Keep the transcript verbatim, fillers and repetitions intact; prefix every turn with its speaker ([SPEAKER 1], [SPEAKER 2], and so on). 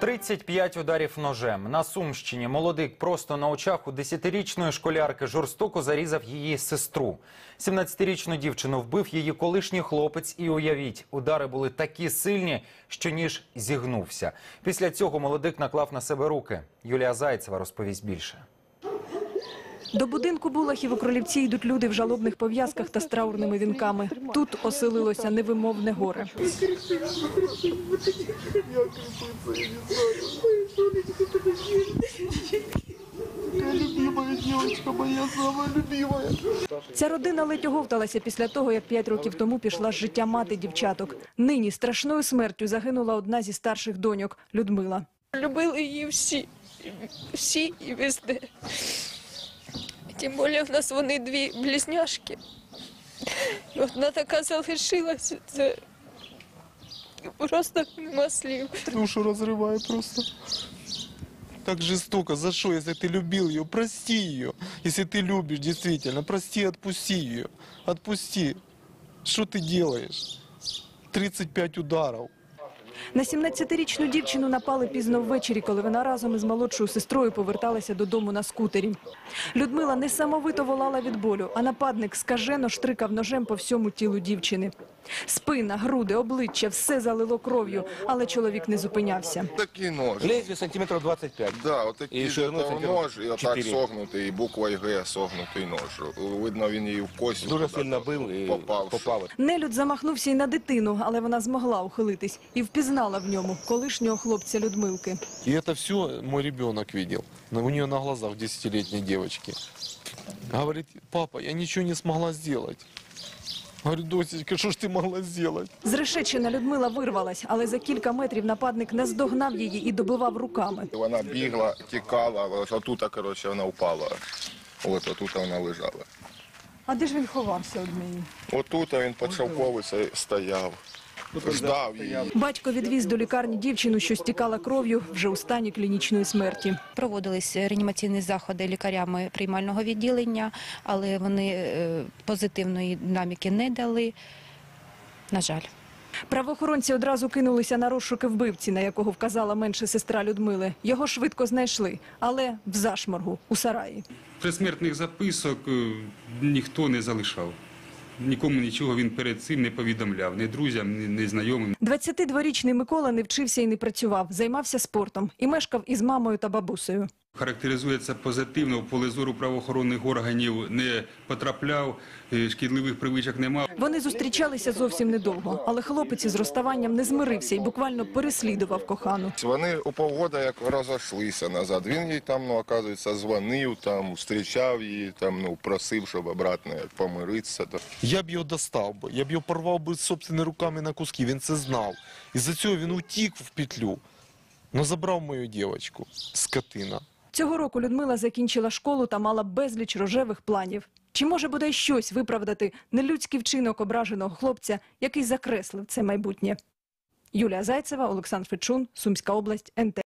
[SPEAKER 1] тридцять п'ять ударів ножем. На Сумщині молодик просто на очах у десятирічної школярки жорстоко зарізав її сестру. сімнадцятирічну дівчину вбив її колишній хлопець і, уявіть, удари були такі сильні, що ніж зігнувся. Після цього молодик наклав на себе руки. Юлія Зайцева розповість більше.
[SPEAKER 2] До будинку Булахів у Кролівці йдуть люди в жалобних пов'язках та з траурними вінками. Тут оселилося невимовне горе. Ця родина ледь оговталася після того, як п'ять років тому пішла з життя мати дівчаток. Нині страшною смертю загинула одна зі старших доньок – Людмила.
[SPEAKER 3] Любили її всі, всі і везде. Тим більше в нас вони дві близняшки. І одна така залишилася, це просто нема слів.
[SPEAKER 4] Душу розриває просто. Так жестоко. За что? Если ты любил ее, прости ее. Если ты любишь, действительно, прости, отпусти ее. Отпусти. Что ты делаешь? тридцать пять ударов.
[SPEAKER 2] На сімнадцятирічну дівчину напали пізно ввечері, коли вона разом із молодшою сестрою поверталася додому на скутері. Людмила несамовито волала від болю, а нападник скажено штрикав ножем по всьому тілу дівчини. Спина, груди, обличчя – все залило кров'ю, але чоловік не зупинявся.
[SPEAKER 5] Такий нож.
[SPEAKER 6] Лезвие сантиметров двадцать пять.
[SPEAKER 5] Да, отакий
[SPEAKER 6] І шириною
[SPEAKER 5] нож, і отак
[SPEAKER 6] чотири.
[SPEAKER 5] согнутий, і буквою Г согнутий нож. Видно, він її в кость
[SPEAKER 6] Дуже сильно бив і
[SPEAKER 5] попав.
[SPEAKER 6] попав.
[SPEAKER 2] Нелюд замахнувся й на дитину, але вона змогла ухилитись і впізнала в ньому колишнього хлопця Людмилки.
[SPEAKER 4] И это все мой ребенок видел. У нее на глазах десятилетней девочки. Говорит: папа, я ничего не смогла сделать. Говорю: досечка, что ж ты могла сделать?
[SPEAKER 2] Зрешечена Людмила вирвалась, але за кілька метрів нападник наздогнав її і добивав руками.
[SPEAKER 5] Вона бігла, тікала, ось отут, коротше, вона впала. Ось отут вона лежала.
[SPEAKER 2] А де ж він ховався від неї?
[SPEAKER 5] Отут він під шовковицею стояв, ждав її.
[SPEAKER 2] Батько відвіз до лікарні дівчину, що стікала кров'ю, вже у стані клінічної смерті.
[SPEAKER 7] Проводились реанімаційні заходи лікарями приймального відділення, але вони е, позитивної динаміки не дали, на жаль.
[SPEAKER 2] Правоохоронці одразу кинулися на розшуки вбивці, на якого вказала менша сестра Людмили. Його швидко знайшли, але в зашморгу, у сараї.
[SPEAKER 8] Предсмертних записок е, ніхто не залишав. Нікому нічого він перед цим не повідомляв, ні друзям, ні, ні знайомим.
[SPEAKER 2] двадцятидворічний Микола не вчився і не працював, займався спортом і мешкав із мамою та бабусею.
[SPEAKER 8] Характеризується позитивно, в поле зору правоохоронних органів не потрапляв, е, шкідливих привичок не мав.
[SPEAKER 2] Вони зустрічалися зовсім недовго, але хлопець із розставанням не змирився і буквально переслідував кохану.
[SPEAKER 5] Вони у півгода як розійшлися назад. Він їй там, ну, оказується, дзвонив, там, зустрічав її, там, ну, просив, щоб обратно як помиритися.
[SPEAKER 4] Я б його достав би, я б його порвав би собственними руками на куски, він це знав. Із-за цього він утік в петлю, но забрав мою дівчинку, скотина.
[SPEAKER 2] Цього року Людмила закінчила школу та мала безліч рожевих планів. Чи може бодай щось виправдати нелюдський вчинок ображеного хлопця, який закреслив це майбутнє? Юлія Зайцева, Олександр Фечун, Сумська область, ен те.